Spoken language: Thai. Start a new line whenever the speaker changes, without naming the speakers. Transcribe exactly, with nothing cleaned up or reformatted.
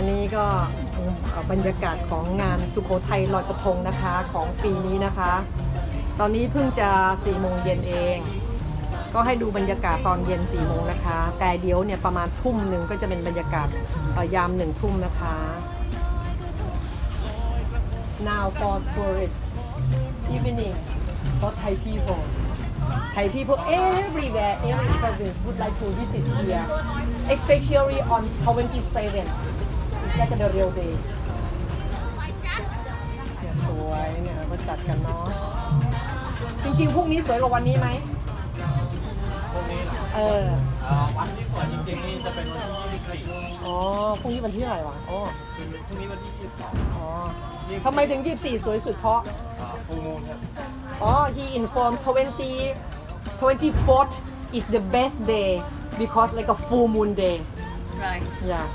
นี้ก็บรรยากาศของงานสุโขทัยลอยกระทงนะคะของปีนี้นะคะ ตอนนี้เพิ่งจะสี่โมงเย็นเอง ก็ให้ดูบรรยากาศตอนเย็นสี่โมงนะคะ แต่เดี๋ยวเนี่ยประมาณทุ่มหนึ่งก็จะเป็นบรรยากาศยามหนึ่งทุ่มนะคะ Now for tourists evening for Thai people Thai people everywhere every province would like to visit here especially on twenty-seven it's like the real day เนี่ยสวยเนี่ยก็จัดกันเนาะจริงๆพรุ่งนี้สวยกว่าวันนี้ไหม
พวกนี้เหรอ
เออ
เอ่อวันที่สวยจริงๆนี่จะเป็นวันที่ยี่สิบสี่
อ๋อพรุ่งนี้วันที่เท่าไหร่วะอ๋อ
พรุ่งนี้วันที่ยี่สิบสอง
อ๋อทำไมถึงยี่สิบสี่สวยสุดเพราะ
ฟูมูนครับ
อ๋อ he informed twenty twenty-fourth is the best day because like a full moon day
Right.
yeah